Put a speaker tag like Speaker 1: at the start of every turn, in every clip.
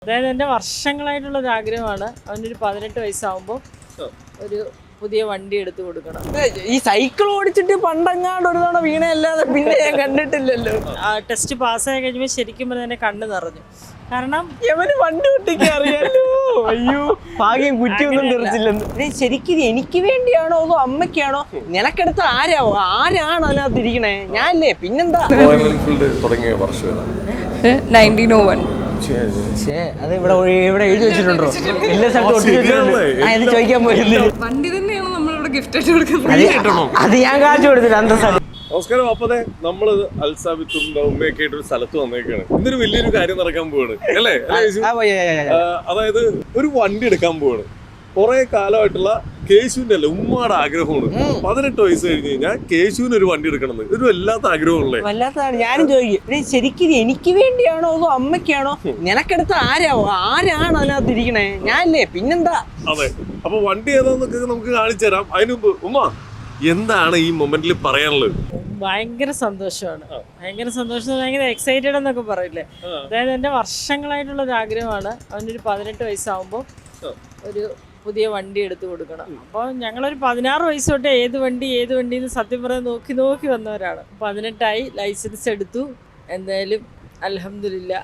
Speaker 1: അതായത് എൻ്റെ വർഷങ്ങളായിട്ടുള്ളൊരു ആഗ്രഹമാണ് അവനൊരു 18 വയസ്സാകുമ്പോൾ ഒരു പുതിയ വണ്ടി എടുത്തു കൊടുക്കണം.
Speaker 2: ഈ സൈക്കിൾ ഓടിച്ചിട്ട് പണ്ടങ്ങാണ്ട് ഒരു തവണ വീണയല്ലാതെ പിന്നെ ഞാൻ കണ്ടിട്ടില്ലല്ലോ.
Speaker 1: ടെസ്റ്റ് പാസ്സായി കഴിഞ്ഞപ്പോൾ ശരിക്കും പറഞ്ഞാൽ എൻ്റെ കണ്ണ് നിറഞ്ഞു. കാരണം
Speaker 2: എവന് വണ്ടി ഓടിക്കാൻ അറിയാലോ. അയ്യോ ഭാഗ്യം കുറ്റിയൊന്നും തെറിച്ചില്ലെന്ന്. ശരിക്കും എനിക്ക് വേണ്ടിയാണോ അതോ അമ്മയ്ക്കാണോ? നിനക്കെടുത്ത ആരാണ് അതിനകത്ത് ഇരിക്കണേ? ഞാനല്ലേ പിന്നെന്താ?
Speaker 3: തുടങ്ങിയ വർഷം
Speaker 4: 1901.
Speaker 2: അത് ഇവിടെ എഴുതി വെച്ചിട്ടുണ്ടോ? എല്ലാ സ്ഥലത്തും ചോദിക്കാൻ പോയില്ലേ?
Speaker 4: വണ്ടി തന്നെയാണ് നമ്മളിവിടെ ഗിഫ്റ്റ് ആയിട്ട് കൊടുക്കുന്നത്.
Speaker 2: അത് ഞാൻ കാണിച്ചു കൊടുത്തില്ല അന്തസ്സാണ്.
Speaker 3: നമസ്കാരം. അപ്പതെ നമ്മള് അൽസാബിത്തും ഉമ്മയൊക്കെ ആയിട്ട് ഒരു സ്ഥലത്ത് വന്നേക്കാണ്. ഇന്നൊരു വലിയൊരു കാര്യം നടക്കാൻ പോവാണ് അല്ലേ? അതായത് ഒരു വണ്ടി എടുക്കാൻ പോവാണ്. കുറെ കാലമായിട്ടുള്ള കേശുവിന്റെ അല്ല ഉമ്മയുടെ ആഗ്രഹമാണ്. 18 വയസ്സ് കഴിഞ്ഞ് കഴിഞ്ഞാൽ കേശുവിന് ഒരു വണ്ടി എടുക്കണം. ഒരു വല്ലാത്ത ആഗ്രഹമുള്ളേ.
Speaker 2: വല്ലാത്തതാണ്. ഞാനും ചോദിക്കും ശരിക്കും എനിക്ക് വേണ്ടിയാണോ അതോ അമ്മയ്ക്കാണോ? നിനക്കെടുത്ത ആരാണ് അതിനകത്ത് ഇരിക്കണേ? ഞാനല്ലേ പിന്നെന്താ?
Speaker 3: അതെ. അപ്പൊ വണ്ടി ഏതാന്നൊക്കെ നമുക്ക് കാണിച്ചു തരാം. അതിന് മുമ്പ് ഉമ്മ എന്താണ് ഈ മൊമെന്റിൽ പറയാനുള്ളത്?
Speaker 1: ഭയങ്കര സന്തോഷമാണ്. ഭയങ്കര എക്സൈറ്റഡ് എന്നൊക്കെ പറയില്ലേ. അതായത് എൻ്റെ വർഷങ്ങളായിട്ടുള്ളൊരു ആഗ്രഹമാണ് അവനൊരു 18 വയസ്സാകുമ്പോൾ ഒരു പുതിയ വണ്ടി എടുത്തു കൊടുക്കണം. അപ്പോൾ ഞങ്ങളൊരു 16 വയസ്സ് തൊട്ട് ഏത് വണ്ടി എന്ന് സത്യം പറയാൻ നോക്കി വന്നവരാണ്. 18ആയി, ലൈസൻസ് എടുത്തു. എന്തായാലും അൽഹംദുലില്ലാ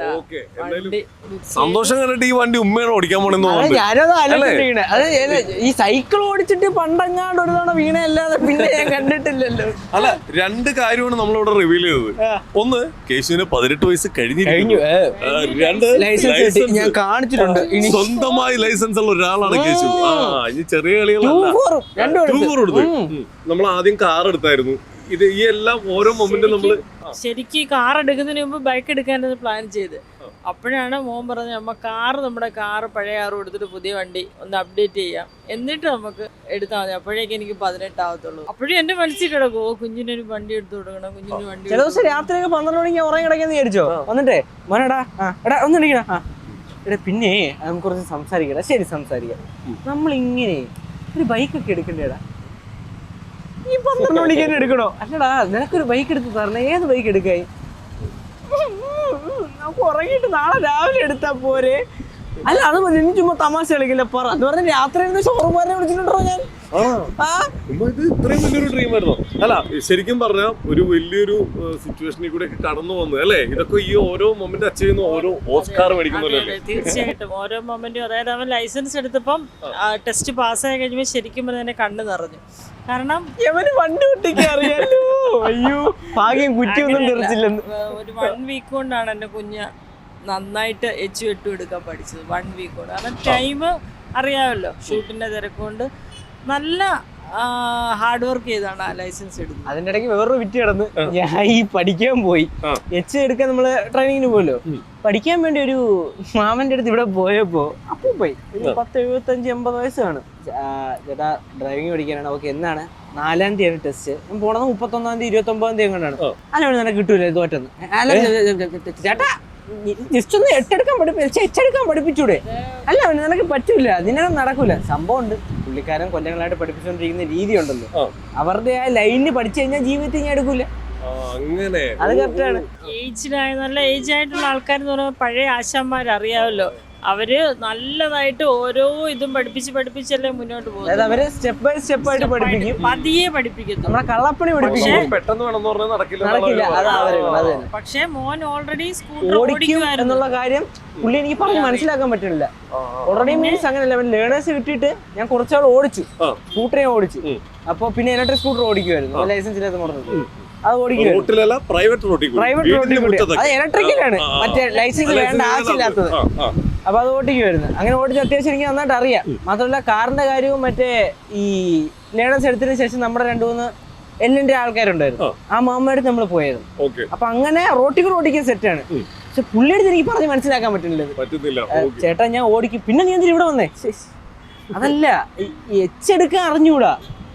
Speaker 3: സന്തോഷം കണ്ടിട്ട് ഈ വണ്ടി ഉമ്മയാണ് ഓടിക്കാൻ പോണെന്ന്
Speaker 2: ഞാനത് ആലോചിക്കണേ. അത് ഈ സൈക്കിൾ ഓടിച്ചിട്ട് പണ്ടങ്ങാണ്ട് ഒരു തവണ വീണയല്ലാതെ പിന്നെ ഞാൻ കണ്ടിട്ടില്ലല്ലോ.
Speaker 3: അല്ല, രണ്ട് കാര്യമാണ് നമ്മളിവിടെ റിവീൽ ചെയ്തത്. ഒന്ന്, കേശുവിന് 18 വയസ്സ് കഴിഞ്ഞു. രണ്ട്,
Speaker 2: ലൈസൻസ് ഞാൻ കാണിച്ചിട്ടുണ്ട്.
Speaker 3: സ്വന്തമായി ലൈസൻസ് ഉള്ള ഒരാളാണ് കേശു. ഇനി ചെറിയ കളികളല്ല. നമ്മൾ ആദ്യം കാർ എടുത്തായിരുന്നു. ഇത് ഈ എല്ലാം ഓരോ മൊമെന്റും നമ്മള്
Speaker 1: ശരിക്കും കാർ എടുക്കുന്നതിന് മുമ്പ് ബൈക്ക് എടുക്കാനാണ് പ്ലാൻ ചെയ്ത്. അപ്പോഴാണ് മോൻ പറഞ്ഞത് നമ്മുടെ കാറ് പഴയ കാറ് കൊടുത്തിട്ട് പുതിയ വണ്ടി ഒന്ന് അപ്ഡേറ്റ് ചെയ്യാം, എന്നിട്ട് നമുക്ക് എടുത്താൽ മതി. അപ്പോഴേക്കും എനിക്ക് 18 ആവത്തുള്ളൂ. അപ്പോഴും എന്റെ മനസ്സിൽ കിടക്കും കുഞ്ഞിനൊരു വണ്ടി എടുത്തു കൊടുക്കണം, കുഞ്ഞിന് വണ്ടി.
Speaker 2: ചില ദിവസം രാത്രിയൊക്കെ 12 മണിക്ക് ഉറങ്ങി കിടക്കാന്ന് വിചാരിച്ചോ? വന്നിട്ടേ മോനടാ എടാ ഒന്നിടിക്കണ എടാ പിന്നെ നമുക്ക് കുറച്ച് സംസാരിക്കടാ. ശരി സംസാരിക്കാം. നമ്മളിങ്ങനെ ഒരു ബൈക്കൊക്കെ എടുക്കണ്ടേടാ. ഈ 12 മണിക്ക് തന്നെ എടുക്കണോ? അല്ലടാ നിനക്കൊരു ബൈക്ക് എടുത്ത് തരണേ. ഏത് ബൈക്ക് എടുക്കായി? നമുക്ക് ഉറങ്ങിയിട്ട് നാളെ രാവിലെ എടുത്താ പോരെ? അല്ല അത് നീ ചുമ്മാ തമാശ കളിക്കില്ല പറ എന്ന് പറഞ്ഞ രാത്രി ഷോറൂമുകാരനെ വിളിച്ചിട്ടുണ്ടോ ഞാൻ?
Speaker 3: ഇത് ഇത്രയും വലിയൊരു ഡ്രീം ആയിരുന്നു. അല്ല, ശരിക്കും പറഞ്ഞാൽ ഒരു വലിയൊരു സിറ്റുവേഷനിൽ കൂടെ കടന്നു വന്നു അല്ലേ? ഇതൊക്കെ ഈ ഓരോ മൊമെന്റ് അച്ചീവ് ചെയ്യുന്ന ഓരോ ഓസ്കാർ മേടിക്കുന്നല്ലേ?
Speaker 1: തീർച്ചയായിട്ടും ഓരോ മൊമെന്റും. അതായത് അവൻ ലൈസൻസ് എടുത്തപ്പം ടെസ്റ്റ് പാസ്സായി കഴിഞ്ഞപ്പോൾ ശരിക്കും പറഞ്ഞാൽ എൻ്റെ കണ്ണ് നിറഞ്ഞു. കാരണം
Speaker 2: എവന് വണ്ടി ഓടിക്കാൻ അറിയാലോ. അയ്യോ ഭാഗ്യം കുറ്റിയൊന്നും തെറിച്ചില്ലെന്ന്.
Speaker 1: ഒരു 1 വീക്ക് കൊണ്ടാണ് എൻ്റെ കുഞ്ഞ് നന്നായിട്ട് HU8 എടുക്കാൻ പഠിച്ചത്. 1 വീക്ക് കൊണ്ട്. കാരണം ടൈം അറിയാമല്ലോ, ഷൂട്ടിന്റെ തിരക്കുകൊണ്ട് നല്ല ഹാർഡ് വർക്ക് ചെയ്താണ് ആ ലൈസൻസ് എടുത്തത്.
Speaker 2: അതിന്റെ ഇടയ്ക്ക് വേറൊരു വിറ്റ് കിടന്ന് ഞാൻ ഈ പഠിക്കാൻ പോയി. എടുക്കാൻ നമ്മള് ട്രെയിനിങ്ങിന് പോയല്ലോ. പഠിക്കാൻ വേണ്ടി ഒരു മാമന്റെ അടുത്ത് ഇവിടെ പോയപ്പോ അപ്പൊ പോയി 10-75-80 വയസ്സ് കാണും. ചേട്ടാ ഡ്രൈവിംഗ് പഠിക്കാനാണ്. ഓക്കെ എന്നാണ്? 4-ാം തീയതിയാണ് ടെസ്റ്റ്. ഞാൻ പോണത് 31-ാം തീയതി 29-ാം തീയതി എങ്ങനെയാണ്? അല്ല നിനക്ക് കിട്ടൂലേ തോറ്റെന്ന്. ചേട്ടാ ജസ്റ്റ് ഒന്ന് എച്ചെടുക്കാൻ പഠിപ്പിച്ചൂടെ? അല്ല നിനക്ക് പറ്റൂല, നിനക്ക് നടക്കൂല. സംഭവം ഉണ്ട്. പുള്ളിക്കാരൻ കൊല്ലങ്ങളായിട്ട് പഠിപ്പിച്ചുകൊണ്ടിരിക്കുന്ന രീതി ഉണ്ടല്ലോ, അവരുടെ ആ ലൈനിന് പഠിച്ചു കഴിഞ്ഞാൽ ജീവിതത്തിൽ ഞാൻ എടുക്കൂല. അത് കറക്റ്റാണ്.
Speaker 1: നല്ല ഏജ് ആയിട്ടുള്ള ആൾക്കാർ എന്ന് പറയുമ്പോൾ പഴയ ആശാന്മാരറിയാമല്ലോ, അവര് നല്ലതായിട്ട് ഓരോ ഇതും പഠിപ്പിച്ചല്ലേ മുന്നോട്ട് പോകുന്നത്.
Speaker 2: അവര് സ്റ്റെപ്പ് ബൈ സ്റ്റെപ്പ് ആയിട്ട് പഠിപ്പിക്കും,
Speaker 1: പതിയെ പഠിപ്പിക്കും.
Speaker 2: നമ്മളെ കള്ളപ്പണി പഠിപ്പിക്കും.
Speaker 3: പെട്ടെന്ന് വേണമെന്ന് പറഞ്ഞാൽ
Speaker 2: നടക്കില്ല.
Speaker 1: പക്ഷെ മോൻ ഓൾറെഡി
Speaker 2: ഓടിക്കും എന്നുള്ള കാര്യം പുള്ളി എനിക്ക് പറഞ്ഞ് മനസ്സിലാക്കാൻ പറ്റുന്നില്ല. ഓൾറെഡി മീൻസ് അങ്ങനെയല്ല. ലേണേഴ്സ് കിട്ടിയിട്ട് ഞാൻ കുറച്ചാൾ ഓടിച്ചു, സ്കൂട്ടർ ഞാൻ ഓടിച്ചു. അപ്പൊ പിന്നെ ഇലക്ട്രിക് സ്കൂട്ടർ ഓടിക്കുമായിരുന്നു, ലൈസൻസ് ഇല്ലാത്ത മോഡൽ. അത് ഓടിക്കുമായിരുന്നു പ്രൈവറ്റ് റോഡിൽ. അത് ഇലക്ട്രിക്കലാണ്, മറ്റേ ലൈസൻസ് വേണ്ട ആവശ്യമില്ലാത്തത്. അപ്പൊ അത് ഓടിക്കുമായിരുന്നു. അങ്ങനെ ഓടിച്ച് അത്യാവശ്യം എനിക്ക് നന്നായിട്ട് അറിയാം. മാത്രമല്ല കാറിന്റെ കാര്യവും മറ്റേ ഈ ലേണേഴ്സ് എടുത്തതിന് ശേഷം നമ്മുടെ 2-3 എല്ലിന്റെ ആൾക്കാരുണ്ടായിരുന്നു. ആ മാമ്മയുടെ നമ്മൾ പോയത്. അപ്പൊ അങ്ങനെ റോട്ടിൽ ഓടിക്കാൻ സെറ്റാണ്. പക്ഷെ പുള്ളിയെടുത്ത് എനിക്ക് പറഞ്ഞ് മനസ്സിലാക്കാൻ പറ്റുന്നില്ല. ചേട്ടാ ഞാൻ ഓടിക്കും. പിന്നെ നീ എന്തിനാ ഇവിടെ വന്നേ? അതല്ല എച്ചെടുക്കാൻ അറിഞ്ഞൂടാ.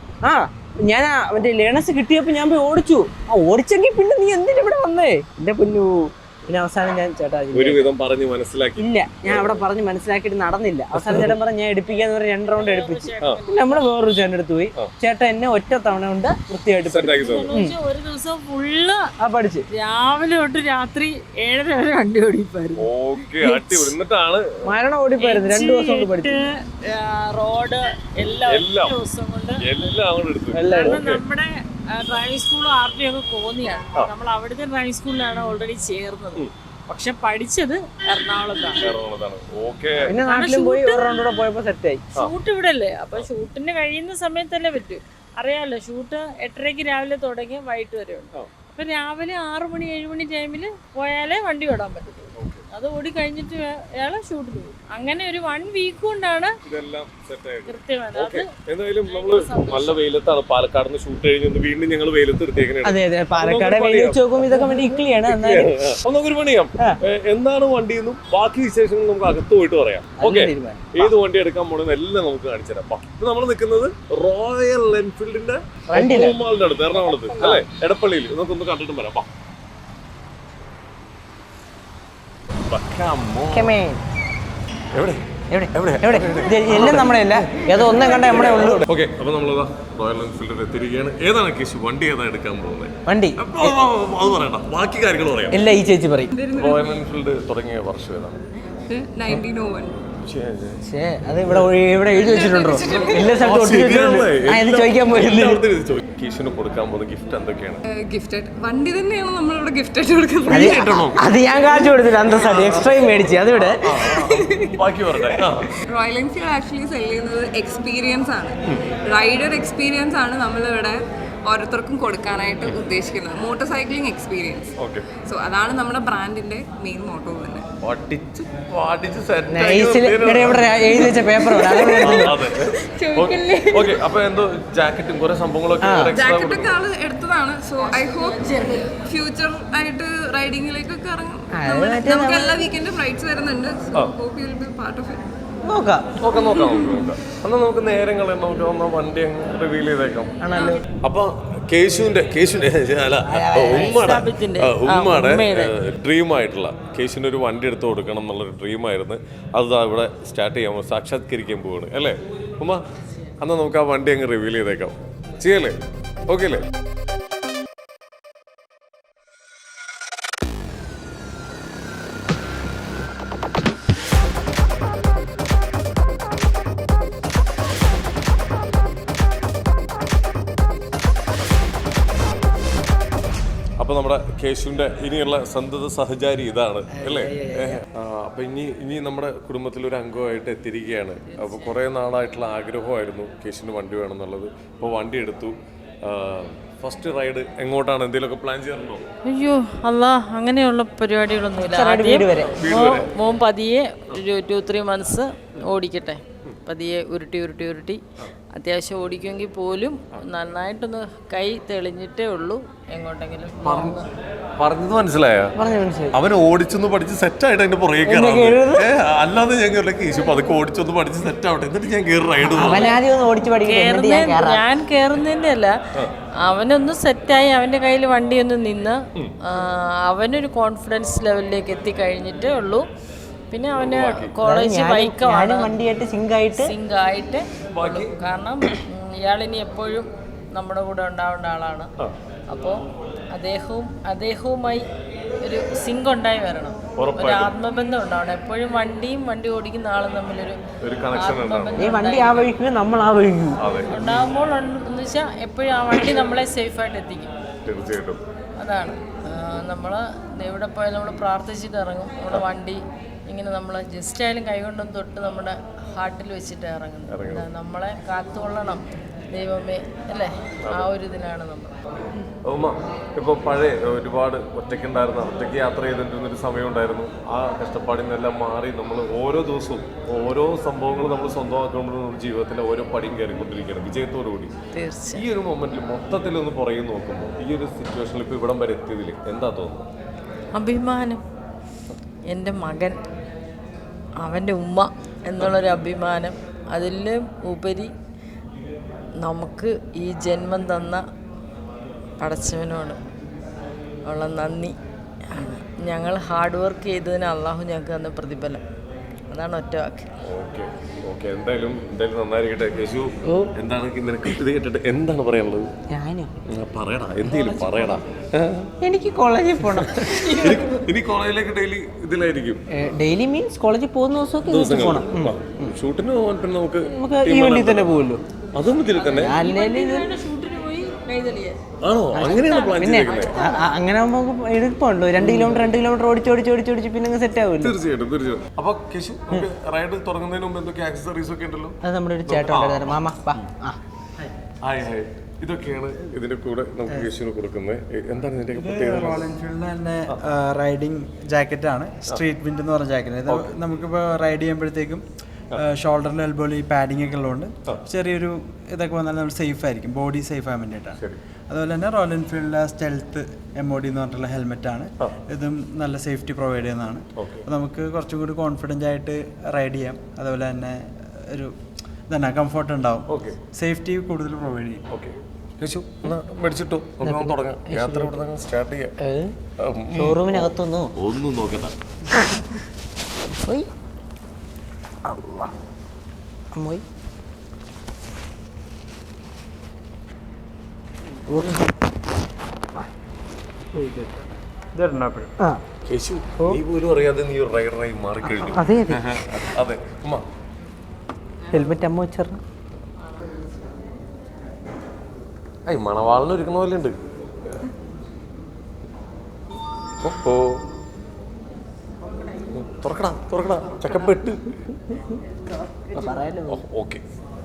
Speaker 2: ഞാൻ മറ്റേ ലേണേഴ്സ് കിട്ടിയപ്പോ ഞാൻ പോയി ഓടിച്ചു. ഓടിച്ചെങ്കിൽ പിന്നെ നീ എന്തിനാ ഇവിടെ വന്നേ? എന്റെ പൊന്നു പിന്നെ അവസാനം ഞാൻ ചേട്ടാ
Speaker 3: ഒരുവിധം പറഞ്ഞ് മനസ്സിലാക്കി.
Speaker 2: ഇല്ല, ഞാൻ അവിടെ പറഞ്ഞ് മനസ്സിലാക്കിയിട്ട് നടന്നില്ല. അവസാനം ചേട്ടൻ പറഞ്ഞ് ഞാൻ എടുപ്പിക്കാന്ന് പറഞ്ഞ് 2 റൗണ്ട് എടുപ്പിച്ച്. നമ്മള് വേറൊരു ചേട്ടൻ എടുത്ത് പോയി. ചേട്ടൻ എന്നെ ഒറ്റ തവണ കൊണ്ട് വൃത്തിയായിട്ട്
Speaker 1: ഒരു ദിവസം ഫുള്ള്
Speaker 2: പഠിച്ച്
Speaker 1: രാവിലെ തൊട്ട് രാത്രി 7:30 വരെ വണ്ടി ഓടിപ്പായിരുന്നു.
Speaker 2: മരണം ഓടിപ്പായിരുന്നു. 2 ദിവസം കൊണ്ട് പഠിച്ചു.
Speaker 1: റോഡ് എല്ലാം ദിവസം കൊണ്ട് നമ്മുടെ ഡ്രൈവിംഗ് സ്കൂളും RT ഒക്കെ കോന്നിയാണ്. നമ്മൾ അവിടുത്തെ ഡ്രൈവിംഗ് സ്കൂളിലാണ് ഓൾറെഡി ചേർന്നത്. പക്ഷെ പഠിച്ചത് എറണാകുളത്താണ്.
Speaker 2: പിന്നെ നാട്ടിലും പോയി ഒരു റൗണ്ട് കൂടെ പോയപ്പോ സെറ്റായി.
Speaker 1: ഷൂട്ട് ഇവിടെ അല്ലേ, അപ്പൊ ഷൂട്ടിന് കഴിയുന്ന സമയത്തല്ലേ പറ്റൂ. അറിയാലോ, ഷൂട്ട് 8:30 രാവിലെ തുടങ്ങി വൈകിട്ട് വരെ ഉണ്ട്. അപ്പൊ രാവിലെ 6 മണി 7 മണി ടൈമിൽ പോയാലേ വണ്ടി ഓടാൻ പറ്റും. അത് ഓടി കഴിഞ്ഞിട്ട് അയാളെ ഷൂട്ടിന് പോകും. അങ്ങനെ ഒരു 1 വീക്ക് കൊണ്ടാണ് കൃത്യമായത്.
Speaker 3: എന്തായാലും നമ്മള് നല്ല വെയിലത്താണ് പാലക്കാട് നിന്ന് ഷൂട്ട് കഴിഞ്ഞ് വീണ്ടും ഞങ്ങൾ വെയിലത്ത് എടുത്തേക്കുന്നത്.
Speaker 2: അതെ അതെ, പാലക്കാട് വെയിൽ വെച്ച് നോക്കുമ്പോൾ ഇതൊക്കെ വേണ്ടി ഇക്ലിയാണ്.
Speaker 3: നമുക്കൊരു പണിയാം, എന്താണ് വണ്ടി എന്നും ബാക്കി വിശേഷങ്ങൾ നമുക്ക് അകത്ത് പോയിട്ട് പറയാം. ഓക്കെ, ഏത് വണ്ടി എടുക്കാൻ പോണെന്ന് എല്ലാം നമുക്ക് കാണിച്ചു തരാം. ഇപ്പൊ നമ്മൾ നിൽക്കുന്നത് റോയൽ എൻഫീൽഡിന്റെ മാളിന്റെ അടുത്ത്, എറണാകുളത്ത് അല്ലെ, എടപ്പള്ളിയിൽ. നമുക്കൊന്ന് കണ്ടിട്ടും വരാം.
Speaker 2: എല്ലാം നമ്മുടെ അല്ല, ഏതോ ഒന്നും കണ്ട നമ്മളെ ഉള്ളൂ.
Speaker 3: ഓക്കെ, അപ്പൊ നമ്മളതാ റോയൽ എൻഫീൽഡിൽ എത്തിയിരിക്കുകയാണ്. ഏതാണ് കേസ് വണ്ടി ഏതാ എടുക്കാൻ പോകുന്നത്?
Speaker 2: വണ്ടി
Speaker 3: അത് പറയണ്ട, ബാക്കി കാര്യങ്ങൾ പറയാം.
Speaker 2: എല്ലാം ഈ ചേച്ചി പറയും.
Speaker 3: റോയൽ എൻഫീൽഡ് തുടങ്ങിയ വർഷം ഏതാണ്?
Speaker 4: 1901.
Speaker 2: അത് ഇവിടെ എഴുതി വെച്ചിട്ടുണ്ടോ? എല്ലാ സ്ഥലത്തും ചോദിക്കാൻ പോയില്ല.
Speaker 3: കീശിന് കൊടുക്കാൻ പോകുന്ന ഗിഫ്റ്റ് എന്തൊക്കെയാണ്?
Speaker 4: ഗിഫ്റ്റഡ് വണ്ടി തന്നെയാണ് നമ്മളിവിടെ ഗിഫ്റ്റായിട്ട് കൊടുക്കുന്നത്.
Speaker 2: അത് ഞാൻ കാണിച്ചു കൊടുത്തില്ല, അന്തസ്സായിട്ട് എക്സ്ട്രയും മേടിച്ചു. അതിവിടെ
Speaker 3: ബാക്കി പറയട്ടെ.
Speaker 4: റോയൽ എൻഫീൽഡ് ആക്ച്വലി സെല് ചെയ്യുന്നത് എക്സ്പീരിയൻസ് ആണ്, റൈഡർ എക്സ്പീരിയൻസ് ആണ് നമ്മളിവിടെ ഓരോരുത്തർക്കും കൊടുക്കാനായിട്ട് ഉദ്ദേശിക്കുന്നത്. Motor cycling experience. സോ അതാണ് നമ്മുടെ ബ്രാൻഡിന്റെ മെയിൻ മോട്ടോ തന്നെ.
Speaker 3: ജാക്കറ്റും കുറെ സംഭവങ്ങളൊക്കെ
Speaker 4: ജാക്കറ്റൊക്കെ ആള് എടുത്തതാണ്. സോ ഐ ഹോപ്പ് ഫ്യൂച്ചർ ആയിട്ട് റൈഡിങ്ങിലേക്കൊക്കെ ഇറങ്ങും. നമുക്ക് എല്ലാ വീക്കെൻഡും റൈഡ്സ് വരുന്നുണ്ട്. So hope you will be part of it.
Speaker 3: നോക്കാം. എന്നാ നമുക്ക് നേരങ്ങൾ നമുക്ക് വണ്ടി റിവീൽ ചെയ്തേക്കാം. അപ്പൊ കേശുവിന്റെ ഉമ്മയുടെ ഡ്രീം ആയിട്ടുള്ള കേശുവിന് ഒരു വണ്ടി എടുത്ത് കൊടുക്കണം എന്നുള്ളൊരു ഡ്രീമായിരുന്നു. അത് ഇവിടെ സ്റ്റാർട്ട് ചെയ്യാൻ സാക്ഷാത്കരിക്കാൻ പോവാണ് അല്ലേ ഉമ്മ? എന്നാ നമുക്ക് ആ വണ്ടി അങ്ങ് റിവീൽ ചെയ്തേക്കാം. ചെയ്യല്ലേ? ഓക്കെ അല്ലേ? അപ്പൊ നമ്മുടെ കേശുവിന്റെ ഇനിയുള്ള സന്തത സഹചാരി ഇതാണ് അല്ലേ? അപ്പൊ ഇനി നമ്മുടെ കുടുംബത്തിൽ ഒരു അംഗമായിട്ട് എത്തിയിരിക്കുകയാണ്. അപ്പൊ കുറെ നാളായിട്ടുള്ള ആഗ്രഹമായിരുന്നു കേശുവിന് വണ്ടി വേണം എന്നുള്ളത്. ഇപ്പൊ വണ്ടി എടുത്തു. ഫസ്റ്റ് റൈഡ് എങ്ങോട്ടാണ്? എന്തെങ്കിലുമൊക്കെ പ്ലാൻ ചെയ്യാറുണ്ടോ?
Speaker 1: അയ്യോ അല്ലാ, അങ്ങനെയുള്ള പരിപാടികളൊന്നുമില്ല. മോൻ പതിയെ ഒരു 2-3 മന്ത്സ് ഓടിക്കട്ടെ. പതിയെ ഉരുട്ടി അത്യാവശ്യം ഓടിക്കുമെങ്കിൽ പോലും നന്നായിട്ടൊന്ന് കൈ തെളിഞ്ഞിട്ടേ ഉള്ളൂ. എങ്ങോട്ടെങ്കിലും
Speaker 3: പറഞ്ഞത് മനസ്സിലായോ? അവൻ ഓടിച്ചൊന്ന് പഠിച്ച് സെറ്റായിട്ട് അതിന്റെ പുറകെ കയറാം. അല്ലാതെ ഞാൻ കേശു പതുക്കെ ഓടിച്ചൊന്ന് പഠിച്ച് സെറ്റ് ആവട്ടെ, എന്നിട്ട് ഞാൻ കയറി റൈഡ്.
Speaker 1: ഞാൻ കയറുന്നതിന്റെ അല്ല, അവനൊന്ന് സെറ്റായി അവന്റെ കയ്യിൽ വണ്ടി ഒന്ന് നിന്ന് അവനൊരു കോൺഫിഡൻസ് ലെവലിലേക്ക് എത്തിക്കഴിഞ്ഞിട്ടേ ഉള്ളൂ. പിന്നെ അവന് കോളേജ് ബൈക്കാണ്,
Speaker 2: വണ്ടിയായിട്ട് സിങ്ക്
Speaker 1: ആയിട്ട്. കാരണം ഇയാളിനി എപ്പോഴും നമ്മുടെ കൂടെ ഉണ്ടാവേണ്ട ആളാണ്. അപ്പോൾ അദ്ദേഹവുമായി ഒരു സിങ്ക് ഉണ്ടായി വരണം, ഒരു ആത്മബന്ധം ഉണ്ടാവണം. എപ്പോഴും വണ്ടി ഓടിക്കുന്ന ആളും തമ്മിലൊരു ആത്മബന്ധം ഉണ്ടാകുമ്പോൾ എന്ന് വെച്ചാൽ എപ്പോഴും ആ വണ്ടി നമ്മളെ സേഫായിട്ട് എത്തിക്കും. അതാണ് നമ്മൾ എവിടെ പോയാലും നമ്മൾ പ്രാർത്ഥിച്ചിട്ട് ഇറങ്ങും. നമ്മുടെ വണ്ടി ഇങ്ങനെ നമ്മൾ ജസ്റ്റ് ആയാലും കൈകൊണ്ടൊന്ന് തൊട്ട് നമ്മുടെ ഹാർട്ടിൽ വെച്ചിട്ട് ഇറങ്ങുന്നത്. നമ്മളെ കാത്തുകൊള്ളണം ദൈവമേ അല്ലേ, ആ ഒരു ഇതിനാണ് നമ്മൾ.
Speaker 3: ഇപ്പൊ പഴയ ഒരുപാട് ഒറ്റയ്ക്ക് യാത്ര ചെയ്തിട്ടുന്നൊരു സമയം ഉണ്ടായിരുന്നു. ആ കഷ്ടപ്പാടിൽ നിന്നെല്ലാം മാറി നമ്മൾ ഓരോ ദിവസവും ഓരോ സംഭവങ്ങൾ നമ്മൾ സ്വന്തമാക്കുമ്പോൾ നമ്മുടെ ജീവിതത്തിലെ ഓരോ പടിയും കയറിക്കൊണ്ടിരിക്കുകയാണ് വിജയത്തോടു കൂടി. ഈ ഒരു മൊമെന്റിൽ മൊത്തത്തിൽ ഒന്ന് പുറകെ നോക്കുമ്പോൾ ഈ ഒരു സിറ്റുവേഷനിൽ ഇപ്പൊ ഇവിടം വരെ എത്തിയതിൽ എന്താ തോന്നുന്നത്?
Speaker 1: അഭിമാനം. എൻ്റെ മകൻ, അവൻ്റെ ഉമ്മ എന്നുള്ളൊരു അഭിമാനം. അതിലും ഉപരി നമുക്ക് ഈ ജന്മം തന്ന പടച്ചവനോട് ഉള്ള നന്ദി. ഞങ്ങൾ ഹാർഡ് വർക്ക് ചെയ്തതിന് അള്ളാഹു ഞങ്ങൾക്ക് തന്ന പ്രതിഫലം. അതാണ് ഒറ്റ വാക്ക്.
Speaker 3: ഓക്കെ എന്തായാലും നന്നായിരിക്കട്ടെ. കേശു, എന്താണ് നിനക്ക് ഇത് കേട്ടിട്ട് എന്താണ് പറയാനുള്ളത്?
Speaker 2: ഞാനോ
Speaker 3: പറയടാ, എന്തെങ്കിലും പറയടാ.
Speaker 2: എനിക്ക് കോളേജിൽ പോകണം.
Speaker 3: ഇനി കോളേജിലേക്ക് ഡെയിലി ഇതിലായിരിക്കും.
Speaker 2: ഡെയിലി മീൻസ് കോളേജിൽ പോകുന്ന ദിവസമൊക്കെ പോകണം.
Speaker 3: ഷൂട്ടിന് പോകാൻ പിന്നെ നമുക്ക്
Speaker 2: ഈ വണ്ടി തന്നെ പോകുമല്ലോ.
Speaker 3: അതും ഇതിൽ തന്നെ ആണോ? അങ്ങനെയാണ് പ്ലാൻ ചെയ്തേക്കുന്നത്.
Speaker 2: അങ്ങനെ ആകുമ്പോൾ എളുപ്പമുണ്ടോ? 2 കിലോമീറ്റർ ഓടിച്ച് പിന്നെ സെറ്റ് ആവുമല്ലോ.
Speaker 3: തീർച്ചയായിട്ടും. അപ്പൊ കേശു, റൈഡ് തുടങ്ങുന്നതിന് മുമ്പ് എന്തൊക്കെ ആക്സസറീസ് ഒക്കെ ഉണ്ടല്ലോ?
Speaker 2: അത് നമ്മുടെ ഒരു ചേട്ടൻ ഉണ്ടായിരുന്നു. മാമ
Speaker 3: ഹായ്. ഇതൊക്കെയാണ് ഇതിന്റെ കൂടെ നമുക്ക് കേശുവിന് കൊടുക്കുന്നത്. എന്താണ് ഇതിന്റെ പ്രത്യേകത?
Speaker 5: റോയൽ എൻഫീൽഡിന്റെ തന്നെ റൈഡിങ് ജാക്കറ്റ് ആണ്. സ്ട്രീറ്റ് വിൻഡ് എന്ന് പറഞ്ഞ ജാക്കറ്റ്. ഇത് നമുക്കിപ്പോൾ റൈഡ് ചെയ്യുമ്പോഴത്തേക്കും ഷോൾഡറിന്റെ എൽബോയിൽ ഈ പാഡിംഗ് ഒക്കെ ഉള്ളതുകൊണ്ട് ചെറിയൊരു ഇതൊക്കെ വന്നാൽ നമ്മൾ സേഫ് ആയിരിക്കും, ബോഡി സേഫ് ആകാൻ വേണ്ടിയിട്ടാണ്. അതുപോലെ തന്നെ റോയൽ എൻഫീൽഡിലെ സ്റ്റെൽത്ത് MOD എന്ന് പറഞ്ഞിട്ടുള്ള ഹെൽമെറ്റ് ആണ്. ഇതും നല്ല സേഫ്റ്റി പ്രൊവൈഡ് ചെയ്യുന്നതാണ്. അപ്പോൾ നമുക്ക് കുറച്ചും കൂടി കോൺഫിഡൻ്റ് ആയിട്ട് റൈഡ് ചെയ്യാം. അതുപോലെ തന്നെ ഒരു തന്നെ കംഫർട്ട് ഉണ്ടാവും, സേഫ്റ്റി കൂടുതൽ പ്രൊവൈഡ് ചെയ്യും.
Speaker 3: കേശു, മേടിച്ചിട്ടോ, നമുക്ക് തുടങ്ങാം. യാത്ര ഇവിടെ സ്റ്റാർട്ട് ചെയ്യാം.
Speaker 2: ഷോറൂമിനകത്തൊന്നോ
Speaker 3: ഒന്നും നോക്കണ്ട.
Speaker 2: അമ്മോയ്
Speaker 3: കേശു, നീ പോലും അറിയാതെ നീ ഒരു റൈഡറായി മാറിക്കഴിഞ്ഞു.
Speaker 2: അതെ
Speaker 3: അതെ. ഉമ്മ,
Speaker 2: ഹെൽമെറ്റ് അമ്മ വെച്ചറിഞ്ഞു.
Speaker 3: മണവാളിന് ഒരുക്കുന്ന പോലെ ഉണ്ട്. തുറക്കടാ ചക്കപ്പെട്ട്. ഓക്കെ,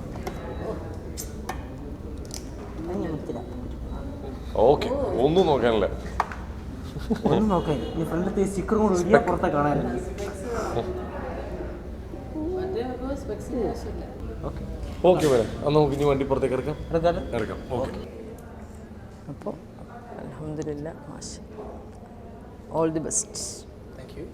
Speaker 3: ഒന്നും നോക്കാനല്ല.
Speaker 2: ഒന്നും നോക്കാൻ ഈ ഫ്രണ്ടിലത്തെ സ്റ്റിക്കർ കൂടെ ഒഴിയാ പുറത്തെ കാണാനില്ല.
Speaker 3: ഓക്കെ വരാം. അന്ന് നമുക്ക് ഇനി വണ്ടി പുറത്തേക്ക് ഇറക്കാം. ഓക്കെ.
Speaker 1: അപ്പോൾ അൽഹംദുലില്ലാ, മാഷാ, all the best.
Speaker 3: Thank you.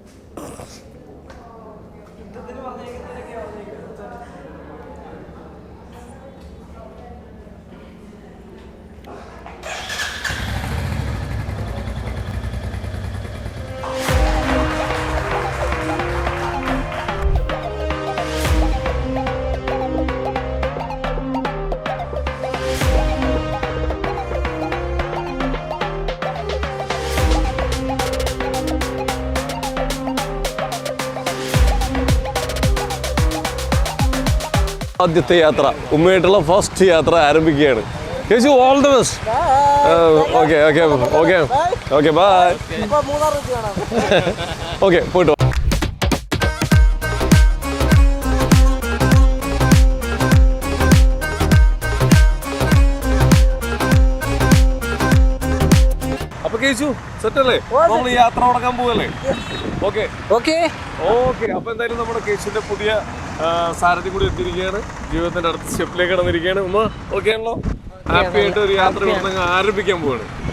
Speaker 3: ആദ്യത്തെ യാത്ര, ഉമ്മയായിട്ടുള്ള ഫസ്റ്റ് യാത്ര ആരംഭിക്കുകയാണ്. Keshu, all the best. Okay bye. Okay, പോയിട്ട് വാ. അപ്പൊ കേശു സെറ്റ് അല്ലേ? നമ്മൾ യാത്ര തുടങ്ങാൻ പോവല്ലേ? ഓക്കെ. അപ്പൊ എന്തായാലും നമ്മുടെ കേശുവിന്റെ പുതിയ സാരഥി കൂടി എത്തിയിരിക്കുകയാണ്. ജീവിതത്തിന്റെ അടുത്ത സ്റ്റെപ്പിലേക്ക് കടന്നിരിക്കുകയാണ്. ഉമ്മ ഓക്കെ ആണല്ലോ? ഹാപ്പി ആയിട്ട് ഒരു യാത്ര ആരംഭിക്കാൻ പോവാണ്.